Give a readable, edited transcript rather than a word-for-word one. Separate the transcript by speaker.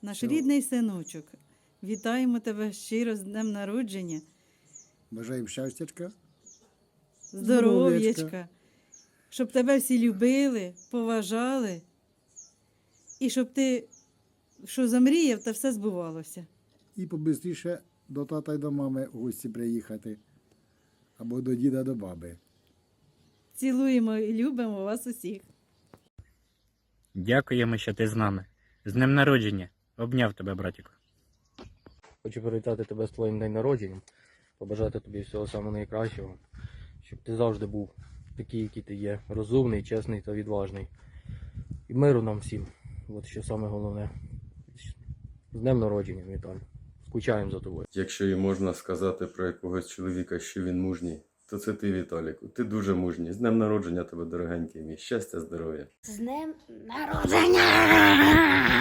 Speaker 1: Наш
Speaker 2: Все.
Speaker 1: рідний синочок, вітаємо тебе щиро з днем народження,
Speaker 2: Бажаємо щастячка.
Speaker 1: здоров'ячка, щоб тебе всі любили, поважали, і щоб ти, що замріяв, та все збувалося.
Speaker 2: І побистріше до тата й до мами в гості приїхати. Або до діда, до баби.
Speaker 1: Цілуємо і любимо вас усіх.
Speaker 3: Дякуємо, що ти з нами. З днем народження. Обняв тебе, братіку.
Speaker 4: Хочу привітати тебе з твоїм днем народження, побажати тобі всього самого найкращого, щоб ти завжди був такий, який ти є, розумний, чесний та відважний. І миру нам всім. От що саме головне. З днем народження, Віталій. Скучаємо за тобою.
Speaker 5: Якщо і можна сказати про якогось чоловіка, що він мужній, то це ти, Віталіку. Ти дуже мужній. З днем народження тебе, дорогенький мій. Щастя, здоров'я.
Speaker 6: З днем народження!